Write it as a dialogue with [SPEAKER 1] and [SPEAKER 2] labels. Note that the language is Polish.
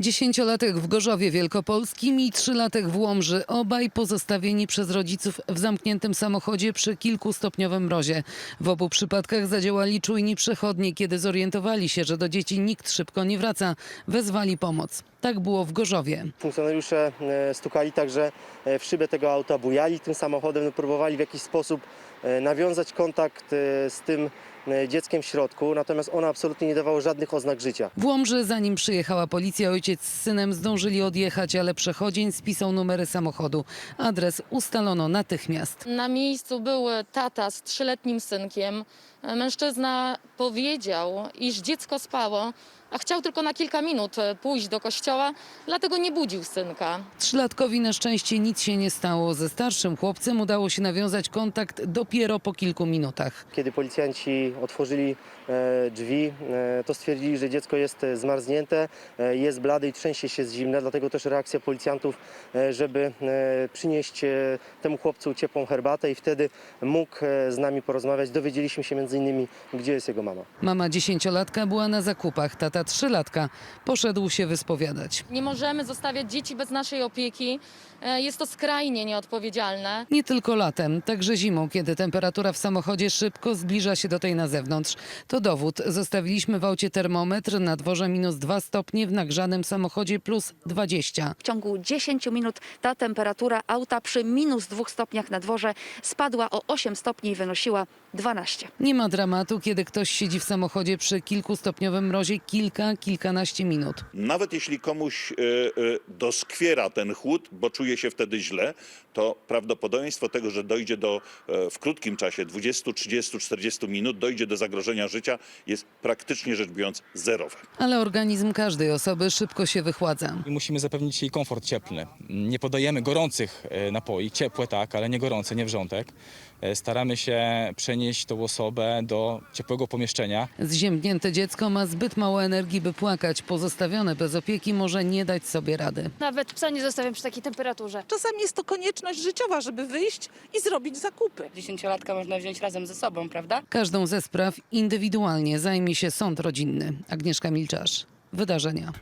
[SPEAKER 1] 10-latek w Gorzowie Wielkopolskim i 3-latek w Łomży. Obaj pozostawieni przez rodziców w zamkniętym samochodzie przy kilkustopniowym mrozie. W obu przypadkach zadziałali czujni przechodni. Kiedy zorientowali się, że do dzieci nikt szybko nie wraca, wezwali pomoc. Tak było w Gorzowie.
[SPEAKER 2] Funkcjonariusze stukali także w szybę tego auta, bujali tym samochodem, próbowali w jakiś sposób nawiązać kontakt z tym dzieckiem w środku, natomiast ono absolutnie nie dawało żadnych oznak życia.
[SPEAKER 1] W Łomży, zanim przyjechała policja, ojciec z synem zdążyli odjechać, ale przechodzień spisał numery samochodu. Adres ustalono natychmiast.
[SPEAKER 3] Na miejscu był tata z 3-letnim synkiem. Mężczyzna powiedział, iż dziecko spało, a chciał tylko na kilka minut pójść do kościoła, dlatego nie budził synka.
[SPEAKER 1] 3-latkowi na szczęście nic się nie stało. Ze starszym chłopcem udało się nawiązać kontakt dopiero po kilku minutach.
[SPEAKER 2] Kiedy policjanci otworzyli drzwi, to stwierdzili, że dziecko jest zmarznięte, jest blade i trzęsie się z zimna, dlatego też reakcja policjantów, żeby przynieść temu chłopcu ciepłą herbatę i wtedy mógł z nami porozmawiać. Dowiedzieliśmy się m.in. gdzie jest jego mama.
[SPEAKER 1] Mama 10-latka była na zakupach, tata 3-latka poszedł się wyspowiadać.
[SPEAKER 3] Nie możemy zostawiać dzieci bez naszej opieki. Jest to skrajnie nieodpowiedzialne.
[SPEAKER 1] Nie tylko latem, także zimą, kiedy temperatura w samochodzie szybko zbliża się do tej na zewnątrz. To dowód. Zostawiliśmy w aucie termometr, na dworze -2 stopnie, w nagrzanym samochodzie +20.
[SPEAKER 4] W ciągu 10 minut ta temperatura auta przy -2 stopniach na dworze spadła o 8 stopni i wynosiła 12.
[SPEAKER 1] Nie ma dramatu, kiedy ktoś siedzi w samochodzie przy kilkustopniowym mrozie kilkanaście minut.
[SPEAKER 5] Nawet jeśli komuś doskwiera ten chłód, bo czuje się wtedy źle, to prawdopodobieństwo tego, że dojdzie w krótkim czasie, 20, 30, 40 minut, dojdzie do zagrożenia życia, jest praktycznie rzecz biorąc zerowe.
[SPEAKER 1] Ale organizm każdej osoby szybko się wychładza.
[SPEAKER 6] I musimy zapewnić jej komfort cieplny. Nie podajemy gorących napoi, ciepłe tak, ale nie gorące, nie wrzątek. Staramy się przenieść tą osobę do ciepłego pomieszczenia.
[SPEAKER 1] Zziębnięte dziecko ma zbyt mało energii, by płakać. Pozostawione bez opieki może nie dać sobie rady.
[SPEAKER 7] Nawet psa nie zostawiam przy takiej temperaturze.
[SPEAKER 8] Czasami jest to konieczność życiowa, żeby wyjść i zrobić zakupy.
[SPEAKER 9] 10-latka można wziąć razem ze sobą, prawda?
[SPEAKER 1] Każdą ze spraw indywidualnie zajmie się sąd rodzinny. Agnieszka Milczarz, Wydarzenia.